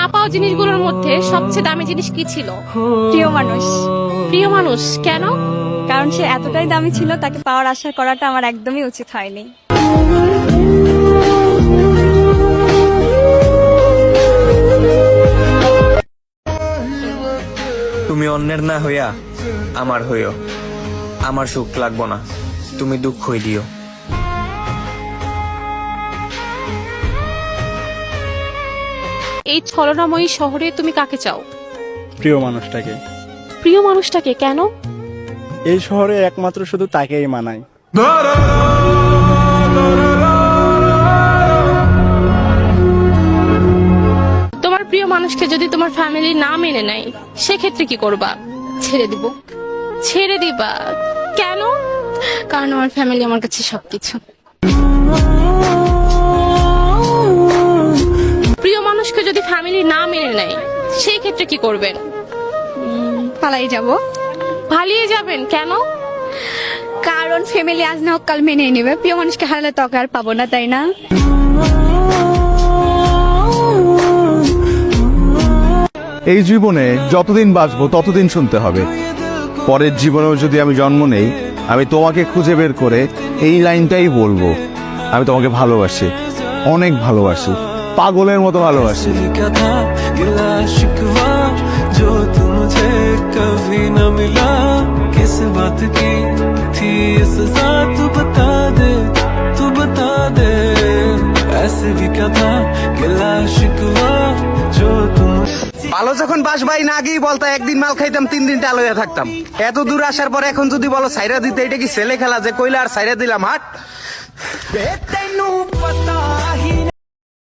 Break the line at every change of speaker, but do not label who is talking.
পাওয়া জিনিসগুলোর মধ্যে সবচেয়ে দামি জিনিস কি ছিল?
প্রিয় মানুষ।
প্রিয় মানুষ কেন?
কারণ সে এতটাই দামি ছিল, তাকে পাওয়ার আশা করাটা আমার একদমই উচিত হয়নি।
তুমি অন্যের না হইয়া আমার হইও, আমার সুখ লাগবো না, তুমি দুঃখই দিও।
এই ছলনাময়ী শহরে তুমি কাকে চাও?
প্রিয় মানুষটাকে।
প্রিয় মানুষটাকে কেন?
এই শহরে একমাত্র শুধু তাকেই মানায়।
তোমার প্রিয় মানুষকে যদি তোমার ফ্যামিলি না মেনে নেয় সেক্ষেত্রে কি করবা? ছেড়ে দিব। ছেড়ে দিবা কেন? কারণ আমার ফ্যামিলি আমার কাছে সবকিছু। প্রিয় মানুষকে যদি ফ্যামিলি না মেনে নেয় সেই ক্ষেত্রে কি করবেন?
পালাই যাব।
পালিয়ে যাবেন কেন?
কারণ ফ্যামিলি আজ না হোক কাল মেনে নেবে। প্রিয় মানুষকে হারালে তো আর পাবো না, তাই না?
এই জীবনে যতদিন বাঁচবো ততদিন শুনতে হবে, পরের জীবনেও যদি আমি জন্ম নেই আমি তোমাকে খুঁজে বের করে এই লাইনটাই বলবো, আমি তোমাকে ভালোবাসি, অনেক ভালোবাসি, পাগলের মতো ভালোবাসি।
जो तू मुझे कभी न मिला, किस बात की थी सजा, तू बता दे, तू बता दे, ऐसे भी क्या था गिला शिकवा जो तुम।
ভালো যখন বাসবাই না গিয়ে বলতো একদিন মাল খাইতাম 3 দিন টাল হয়ে থাকতাম। এত দূর আসার পর এখন যদি বলো সাইরা দিতে, এটা কি ছেলে খেলা যে কইলা আর সাইরা দিলাম? হাট।
तेनू पता ही